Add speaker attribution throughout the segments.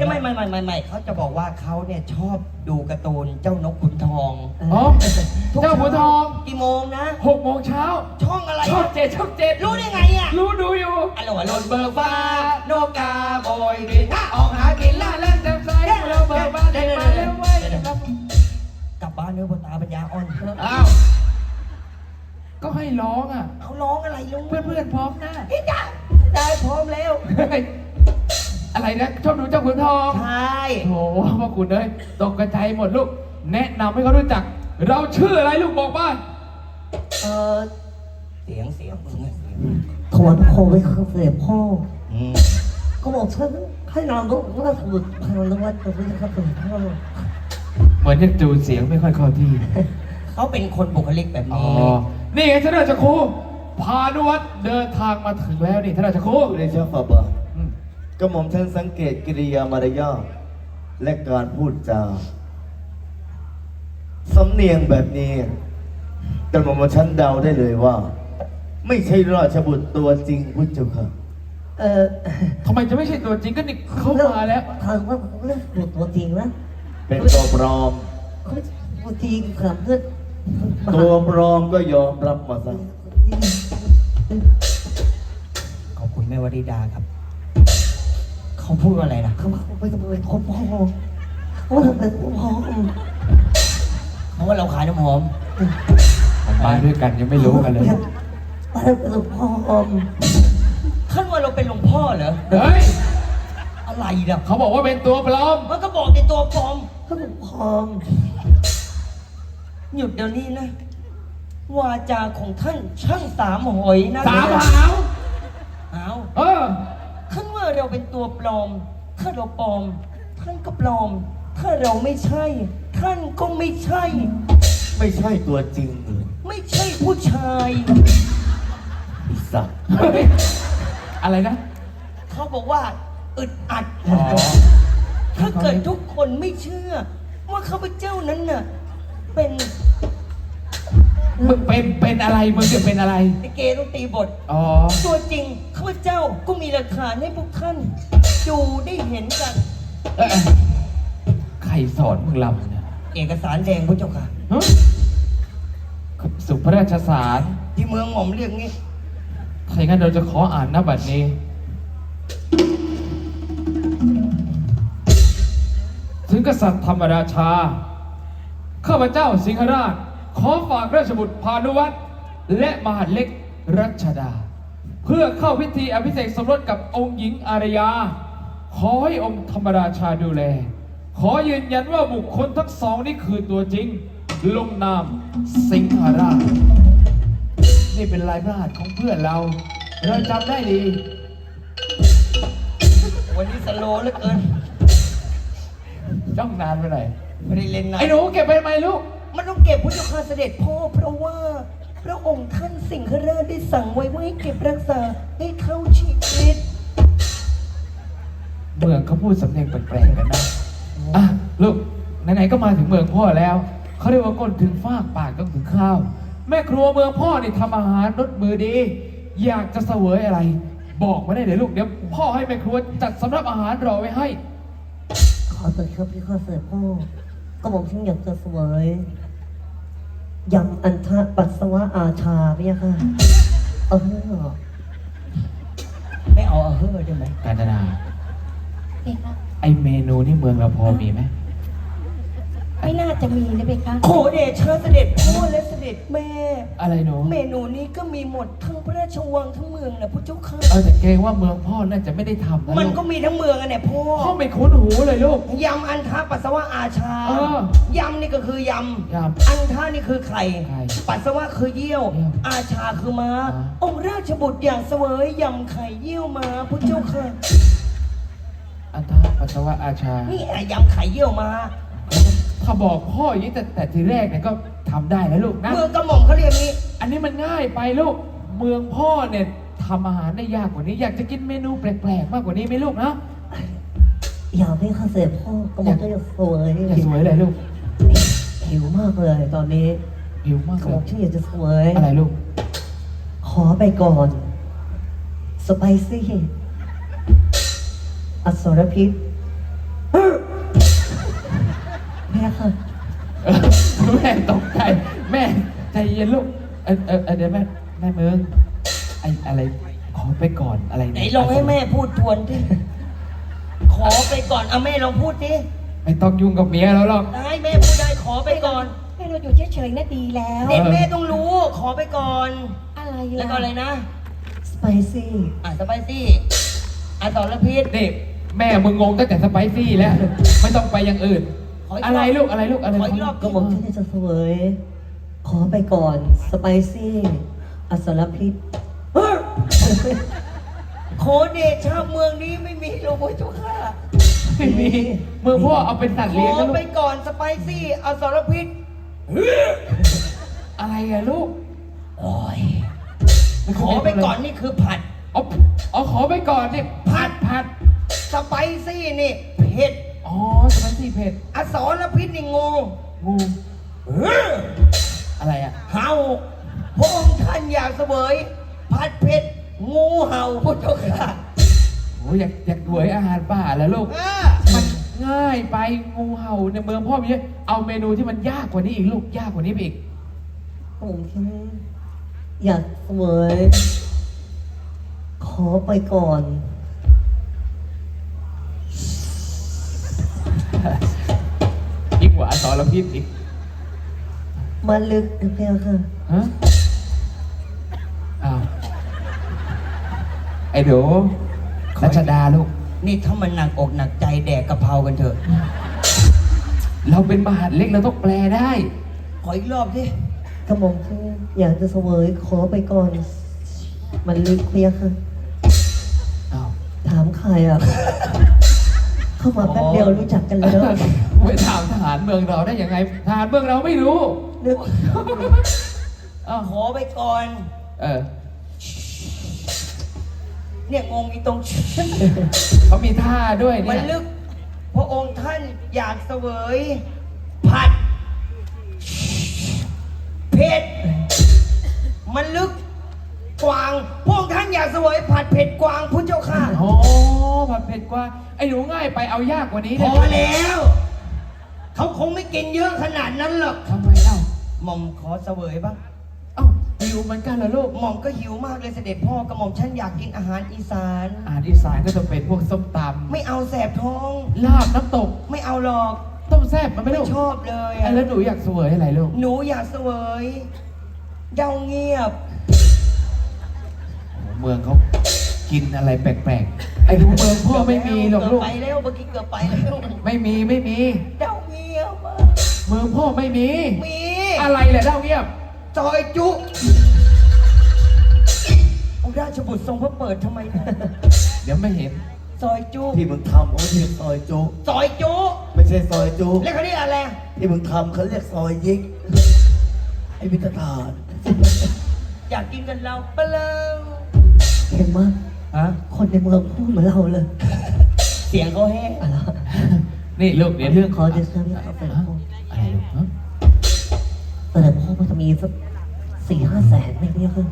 Speaker 1: ไม่เขาจะบอกว่าเขาเนี่ยชอบดูการ์ตูนเจ้านกขุนทอง
Speaker 2: อ๋อเจ้าขุนทอง
Speaker 1: กี่โมงนะ
Speaker 2: 6 โมงเช้า
Speaker 1: ช่องอะไร
Speaker 2: ช่อง7
Speaker 1: รู้ได้ไงอ่ะ
Speaker 2: รู้ดูอยู่
Speaker 1: อร่อยรถเบิกฟ้านกกาโบยบิน
Speaker 2: ออกหากินล่าเล่นเต็มใจเราเบิกฟ้าเดินมาเร็วไว้
Speaker 1: กลับบ้านเนื้อตาปัญญาอ่อน
Speaker 2: อ้าวก็ให้ร้องอ่ะ
Speaker 1: เขาร้องอะไรลุง
Speaker 2: เพื่อนพร้อมนะ
Speaker 1: พี่จ๋าได้พร้อมแล้ว
Speaker 2: อะไรนะชอบดูเจ้าขุนทอง
Speaker 1: ใช่
Speaker 2: โหพ่อคุณเลยตกกระจายหมดลูกแนะนำให้เขารู้จักเราชื่ออะไรลูกบอกบ้าน
Speaker 1: เสียงมึง
Speaker 3: ถอนคอไปคือเสียพ่อก็บอกฉันให้นอนรู้ว่าสมุดพานวัดตัวนี้ครับเป็นพ่อ
Speaker 2: เหมือนจะจูเสียงไม่ค่อยเข้าที่
Speaker 1: เขาเป็นคนบุคลิกแบบนี้
Speaker 2: นี่ไงท่านราชครูพานุวัฒน์เดินทางมาถึงแล้วนี่ท่านราชครู
Speaker 4: เรียนเชิญฝ่าบาทกระหม่อมฉันสังเกตกิริยามารยาทและการพูดจาสำเนียงแบบนี้กระหม่อมฉันเดาได้เลยว่าไม่ใช่ราชบุตรตัวจริงพุทธเจ้าค่ะ
Speaker 2: ทำไมจะไม่ใช่ตัวจริงก็นี่เข้ามาแล้ว
Speaker 3: ถามว่าเรื่องตัวจริงนะ
Speaker 4: เป็นตัวปลอม
Speaker 3: ตัวจริงครับเพื่อน
Speaker 4: ตัวปลอมก็ยอมรับมาซะ
Speaker 1: ขอบคุณแม่วริดาครับเขาพูดอะไรนะ
Speaker 3: เขาไปทำอะไรคนพ่อว่าทำไมพ่อ
Speaker 1: เพราะว่าเราขายน้ำหอม
Speaker 2: มาด้วยกันยังไม่รู้กันเลย
Speaker 3: มาเป็นหลวงพ่อ
Speaker 1: ท่านว่าเราเป็นหลวงพ่อเหรอ
Speaker 2: เฮ้ย
Speaker 1: อะไรเนี่ย
Speaker 2: เขาบอกว่าเป็นตัวปลอม
Speaker 1: มันก็บอกเป็นตัวปลอม
Speaker 3: ก็หลวงพ่อ
Speaker 1: หยุดเดี๋ยวนี้นะวาจาของท่านช่างสามหอยนะ
Speaker 2: สามหาว
Speaker 1: ท่านว่าเราเป็นตัวปลอมถ้าเราปลอมท่านก็ปลอมถ้าเราไม่ใช่ท่านก็ไม่ใช่
Speaker 4: ไม่ใช่ตัวจริง
Speaker 1: ไม่ใช่ผู้ชาย
Speaker 4: สัตว์
Speaker 2: อะไรนะ
Speaker 1: เขาบอกว่าอึดอัดถ้าเกิดทุกคนไม่เชื่อว่าข้าพเจ้านั้นน่ะ
Speaker 2: มึงเป็นอะไรมึงจะเป็นอะไร
Speaker 1: เกต้องตีบทตัวจริงข้าพเจ้าก็มีหลักฐานให้พวกท่านดูได้เห็นกัน
Speaker 2: ใครสอนมึงลำเนี่ย
Speaker 1: เอกสารแดงพระเจ้าค่ะ
Speaker 2: สุพระราชสาร
Speaker 1: ที่เมืองหม่อมเรียกงี้
Speaker 2: ถ้าอย่างนั้นเราจะขออ่านหน้าบัตรนี้ถึงกษัตริย์ธรรมราชาข้าพเจ้าสิงหราชขอฝากราชบุตรพานุวัฒน์และมหาดเล็กรัชดาเพื่อเข้าพิธีอภิเษกสมรสกับองค์หญิงอารยาขอให้องค์ธรรมราชาดูแลขอยืนยันว่าบุคคลทั้งสองนี่คือตัวจริงลงนามสิงหราชนี่เป็นลายพระหัตถ์ของเพื่อนเราจำได้ดี
Speaker 1: วันนี้สโลว์เหลือเกิน
Speaker 2: จ้องนานไปไหน
Speaker 1: ไม่ได้เล่นนาน
Speaker 2: ไอ้หนูเก็บไปไหมลูก
Speaker 1: มันต้องเก็บพุทธคาเสด็จพ่อเพราะว่าพระองค์ท่านสิงหราชได้สั่งไว้ว่าให้เก็บรักษาให้เข้าชีวิต
Speaker 2: เมืองเขาพูดสำเนียงแปลกๆกันนะลูกไหนๆก็มาถึงเมืองพ่อแล้วเขาเรียกว่าก้นถึงฟากปากต้องถึงข้าวแม่ครัวเมืองพ่อนี่ทำอาหารรสมือดีอยากจะเสวยอะไรบอกมาได้เลยลูกเดี๋ยวพ่อให้แม่ครัวจัดสำรับอาหารรอไว้ให้
Speaker 3: ขอเถิดครับพี่ข้าเสด็จพ่อก็บอกฉันอยากจะเสวยยำอันทะปัสสาวะอาชาพี่ค่ะ
Speaker 1: ไม่เอาได้ไหม
Speaker 2: กาญจนาไอเมนูนี่เมืองเราพอมีไหม
Speaker 5: ไม่น่าจะมีนะเบคะ
Speaker 1: โขเดชะเสด็จพ่อและเสด็จแม่
Speaker 2: อะไรหนู
Speaker 1: เมนูนี้ก็มีหมดทั้งพระราชวังทั้งเมืองนะพระเจ้าค่ะ
Speaker 2: แต่เกรงว่าเมืองพ่อน่าจะไม่ได้ทำนะ
Speaker 1: มันก็มีทั้งเมืองเนี่ยพ่อ
Speaker 2: ไม่คุ้นหูเลยลูก
Speaker 1: ยำอันทะปัสสาวะอาชายำนี่ก็คือย
Speaker 2: ำ
Speaker 1: อันทะนี่คือไข่ปัสสาวะคือเยี่ยวอาชาคือม้าองค์ราชบุตรอย่างเสวยยำไข่เยี่ยวม้าพระเจ้าค่ะ
Speaker 2: อันทะปัสสาวะอาชา
Speaker 1: นี่ยำไข่เยี่ยวม้า
Speaker 2: ถ้าบอกพ่ออย่างนี้แต่ทีแรกเนี่ยก็ทำได้แล้วลูกนะ
Speaker 1: เมืองกระหม่อมเขาเรียกนี้
Speaker 2: อันนี้มันง่ายไปลูกเมืองพ่อเนี่ยทำอาหารได้ยากกว่านี้อยากจะกินเมนูแปลกๆมากกว่านี้ไหมลูกนะ
Speaker 3: อยากให้ข้าเสด็จพ่อก็บอกจะสวย
Speaker 2: อยากสวยเลยลูก
Speaker 3: หิวมากเลยตอนนี้
Speaker 2: หิวมาก
Speaker 3: บอกฉันอยากจะสวย
Speaker 2: อะไรลูก
Speaker 3: ขอไปก่อนสไปซี่อสรพิษพี่ค่ะ
Speaker 2: แม่ตกใจแม่ใจเย็นลูกเดี๋ยวแม่เมืองอะไรขอไปก่อนอะไร
Speaker 1: ไหนลองให้แม่พูดทวนดิขอไปก่อนเอาแม่ลองพูดดิ
Speaker 2: ไม่ต้องยุ่งกับเมียแล้วหรอก
Speaker 1: ได้แม่พูดได้ขอไปก่อน
Speaker 5: ให้เราอยู่เฉยๆน่ะดีแล้ว
Speaker 1: เด็กแม่ต้องรู้ขอไปก่อน
Speaker 5: อะไร
Speaker 1: แล้วก็อะไรนะ
Speaker 3: สไปซี่
Speaker 1: สไปซี่สรพิษ
Speaker 2: นี่แม่มึงงงตั้งแต่สไปซี่แล้วไม่ต้องไปอย่างอื่น
Speaker 1: ขออีกรอบ
Speaker 2: อะไรลูกอะไรลูกอะไร
Speaker 1: ขออีกรอบ
Speaker 3: ก็บอกที่จะเสวย ขอไปก่อนสไปซี่อสรพิษ
Speaker 1: โคเดชาเมืองนี้ไม่มีโลโบจุค่า
Speaker 2: ไม่มีเมืองพ่อเอาเป็นสัตว์
Speaker 1: ข
Speaker 2: เลี้ยง
Speaker 1: อ
Speaker 2: นะลู
Speaker 1: ไป
Speaker 2: ก
Speaker 1: ก่อนสไปซี่สรพิษ
Speaker 2: อะไรอะลูก
Speaker 1: โอ้ยขอไปก่อนนี่คือผัด
Speaker 2: อ๋อขอไปก่อนนี่ผัด
Speaker 1: สไปซี่นี่เผ็ด
Speaker 2: อ๋อสไปซี่เผ็ด
Speaker 1: สรพิษนี่งู
Speaker 2: งูอะไรอะ
Speaker 1: เห่าพระองค์ท่านอยากเสวยผัดเผ็ดงูเห่าพุทธเจ้าค่ะ
Speaker 2: โอ้อยากหวยอาหารป่าแล้วลูก มันง่ายไปงูเห่าในเมืองพ่อมีเยอะเอาเมนูที่มันยากกว่านี้อีกลูกยากกว่านี้ไปอีก
Speaker 3: ผมแค่อยากเสวย ขอไปก่อน
Speaker 2: ยิ่งกว่าอสรพิษอีก
Speaker 3: มาลึกนะพี่ค่ะ
Speaker 2: ฮะอ้าวไอ้เดี๋ยวรัชดาลูก
Speaker 1: นี่ถ้ามันหนักอกหนักใจแดกกะเพรากันเถอะ
Speaker 2: เราเป็นมหาดเล็กเราต้องแปลได้
Speaker 1: ขออีกรอบสิ
Speaker 3: กระหม่อมที่อยากจะเสวย ขอไปก่อน มันลึกพี่ค่ะ
Speaker 2: อ้าว
Speaker 3: ถามใครอ่ะ เข้ามาแป๊บเดียวรู้จักกันแล้ว
Speaker 2: ไปถามทหารเมืองเราได้ยังไงทหารเมืองเราไม่รู้
Speaker 3: นึก
Speaker 2: อ้าว
Speaker 1: ขอไปก่อน
Speaker 2: เออ
Speaker 1: เนี่ยงงอีตรง
Speaker 2: เขามีท่าด้วย
Speaker 1: มั
Speaker 2: เนี่
Speaker 1: น
Speaker 2: ย
Speaker 1: ลึก พระองค์ท่านอยากเสวย ผัดเผ็ดมันลึกกวางพระองค์ท่านอยากเสวยผัดเผ็ดกวางพุทธเจ้าค่ะ
Speaker 2: โอ้ผัดเผ็ดกว่าไอ้หนูง่ายไปเอายากกว่านี้
Speaker 1: พ
Speaker 2: ได้
Speaker 1: อ
Speaker 2: ไหม
Speaker 1: แล้ว เขาคงไม่กินเยอะขนาดนั้นหรอก
Speaker 2: ทำไมเล่า
Speaker 1: หม่อมขอเสวยบ้าง
Speaker 2: เอ้าหิวเหมือนกันเหรอลูก
Speaker 1: หม่อมก็หิวมากเลยเสด็จพ่อกระหม่อมฉันอยากกินอาหารอีสาน
Speaker 2: อาหารอีสานก็จะเป็นพวกส้มต
Speaker 1: ไม่เอาแสบท้อง
Speaker 2: ำลาบน้ำตก
Speaker 1: ไม่เอาหรอก
Speaker 2: ต้มแซ่บมันไม่
Speaker 1: ไม่
Speaker 2: ลูก
Speaker 1: ชอบเลย
Speaker 2: ไอ้แล้วหนูอยากเสวยอะไรลูก
Speaker 1: หนูอยากเสวยเย้าเงียบ
Speaker 2: เมืองเขากินอะไรแปลกๆไอ้หนูเมืองพ่อไม่มีหรอกลูก
Speaker 1: เบไปแล้วเมื่อกี้เกือบไปแล้ว
Speaker 2: ไม่มี
Speaker 1: เย้าเงียบอะ
Speaker 2: เมืองพ่อไม่มี
Speaker 1: มี
Speaker 2: อะไรแหละเล่าเงียบ
Speaker 1: ซอยจุองค์ราชบุตรทรงพระเปิดทำไมเนี่ย
Speaker 2: เดี๋ยวไม่เห็น
Speaker 1: ซอยจุ
Speaker 4: ที่มึงทำเขาเรียกซอยจุ
Speaker 1: ซอยจุ
Speaker 4: ไม่ใช่ซอยจุ
Speaker 1: แล้วเขาเรียกอะไร
Speaker 4: ที่มึงทำเขาเรียกซอยยิกไอ้พิธฐาน
Speaker 1: อยากกินกันเราเปล่า
Speaker 3: เห็นไหมย
Speaker 2: ฮะ
Speaker 3: คนในเมืองพูดเหมือนเราเลย
Speaker 1: เสียงเขาแห้ง
Speaker 3: อะไร
Speaker 2: นี่ลูกเดี๋ยวเรื่อง
Speaker 3: ขอเดชะพี่ครับเสด็จ
Speaker 2: ฮะ
Speaker 3: พ่อ
Speaker 2: อะไรลูกฮะ
Speaker 3: เสด็จพ่อมันจะมีสัก4-5 แสนไหมพี่ค่ะ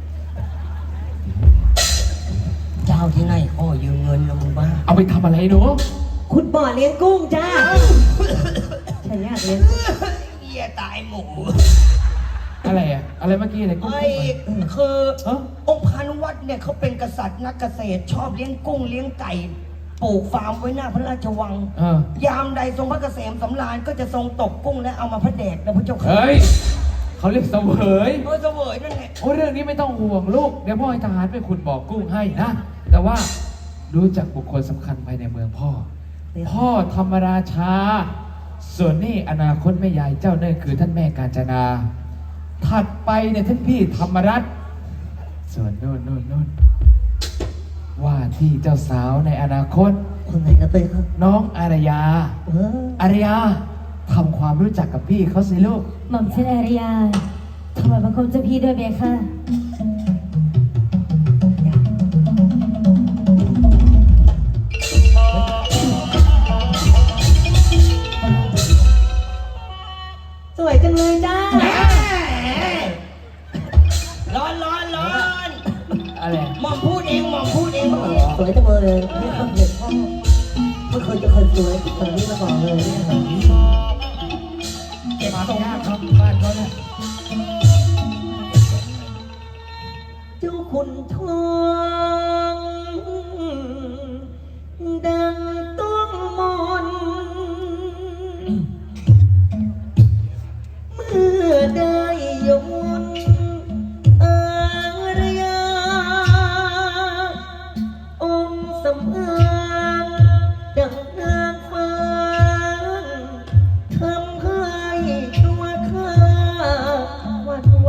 Speaker 1: เจ้าที่ไหนอ้อยืมเงินนะมึงบ้า
Speaker 2: เอาไปทำอะไรหนู
Speaker 3: คุณบ่อเลี้ยงกุ้งจ้าฉันอยากเลี้ยงกุ้ง
Speaker 1: เหี้ยตายหมู
Speaker 2: อะไรอะอะไรเมื่อกี้อะไรกุ้ง
Speaker 1: ไอ้คือ
Speaker 2: ฮะ
Speaker 1: องค์พานุวัตรเนี่ยเขาเป็นกษัตริย์นักเกษตร ชอบเลี้ยงกุ้งเลี้ยงไก่ปลูกฟาร์มไว้หน้าพระราชวัง ยามใดทรงพระเกษมสำราญก็จะทรงตกกุ้งและเอามาพระแดกนะพระเจ้าค่ะ
Speaker 2: เฮ้ยเขาเรียกเสวย
Speaker 1: เสวยนั่นแหละ
Speaker 2: โอ้เรื่องนี้ไม่ต้องห่วงลูกเดี๋ยวพ่อให้ทหารไปขุดบ่อกุ้งให้นะแต่ว่ารู้จักบุคคลสำคัญภายในเมืองพ่อ พ่อธรรมราชา ส่วนนี่อนาคตแม่ยายเจ้าเนี่ยคือท่านแม่กาญจนา ถัดไปเนี่ยท่านพี่ธรรมรัตน์ส่วนนู่นว่าที่เจ้าสาวในอนาคต
Speaker 3: คนไหนนะเต้ยครับ
Speaker 2: น้องอารยา
Speaker 3: เออ
Speaker 2: อารยาทำความรู้จักกับพี่เขาสิลูก
Speaker 5: หม่อมเชนอาริยาถวายบังคมเจ้าพี่ด้วยเบค่ะ
Speaker 3: สวยจังเลยจ้า
Speaker 1: ร้อน
Speaker 2: อะไร
Speaker 1: หม่อมพูดเองหม่อมพูดเอง
Speaker 3: สวยจังเลยพี่ครับเด็กพ่อไม่เคยจะเคยสวยแบบนี้มาก่อนเลยเนี่ย
Speaker 2: ทำยากครับบ้านเขาเนี่ย
Speaker 3: เจ้าขุนทองดังต้องมนเมื่อได้ยนอารยาองค์สำอางดังนางฟ้าทำให้ตัวข้าหวั่นไหว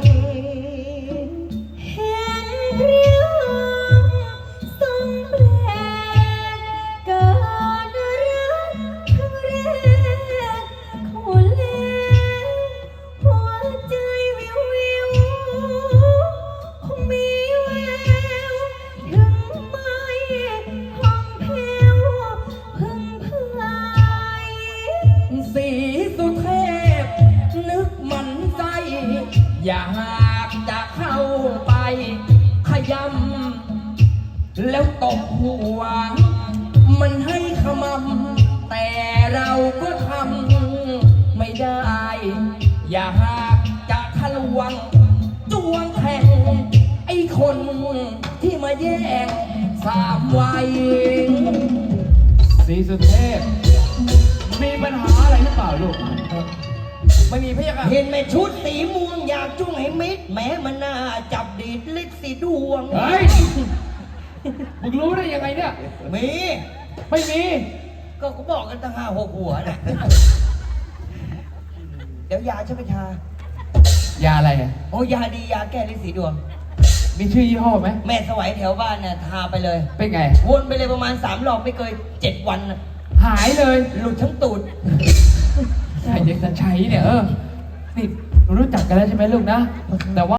Speaker 5: เห็นเรียงทรงแปลกเกิดรักครั้งแรกคนแลหัวใจวิววิวคงมีแววถึงไม่ห้องแผ้วพึงพาย
Speaker 6: สีสุเทพนึกมันใจอยากจะเข้าไปขยำแล้วตบหัว มันให้ขมำแต่เราก็ทำไม่ได้ อยากจะทะลวงจวงแทงไอ้คนที่มาแย่งสามวัย
Speaker 2: สีสุเทพ มีปัญหาอะไรหรือเปล่าลูก
Speaker 6: ไม่มีพะยะค่ะ
Speaker 1: เห็นแม่ชุดสีม่วงอยากจุ้งให้มิดแม้มันน่าจับดีดลิดสีดวง
Speaker 2: เฮ้ย มึงรู้ได้ยังไงเนี่ย
Speaker 1: มี
Speaker 2: ไม่มี
Speaker 1: ก็เขาบอกกันตั้ง5-6 หัวนะเดี๋ยวยาช่วยไปทาย
Speaker 2: าอะไรอ่ะ
Speaker 1: โอ้ยาดียาแก้ลิดสีดวง
Speaker 2: มีชื่อยี่ห้อไหม
Speaker 1: แม่สวัยแถวบ้านเนี่ยทาไปเลย
Speaker 2: เป็นไง
Speaker 1: วนไปเลยประมาณ3 รอบไม่เกิน7 วันน่ะ
Speaker 2: หายเลย
Speaker 1: หลุดทั้งตูด
Speaker 2: ไอ้เด็กจะใช้เนี่ยนี่รู้จักกันแล้วใช่ไหมลูกนะ แต่ว่า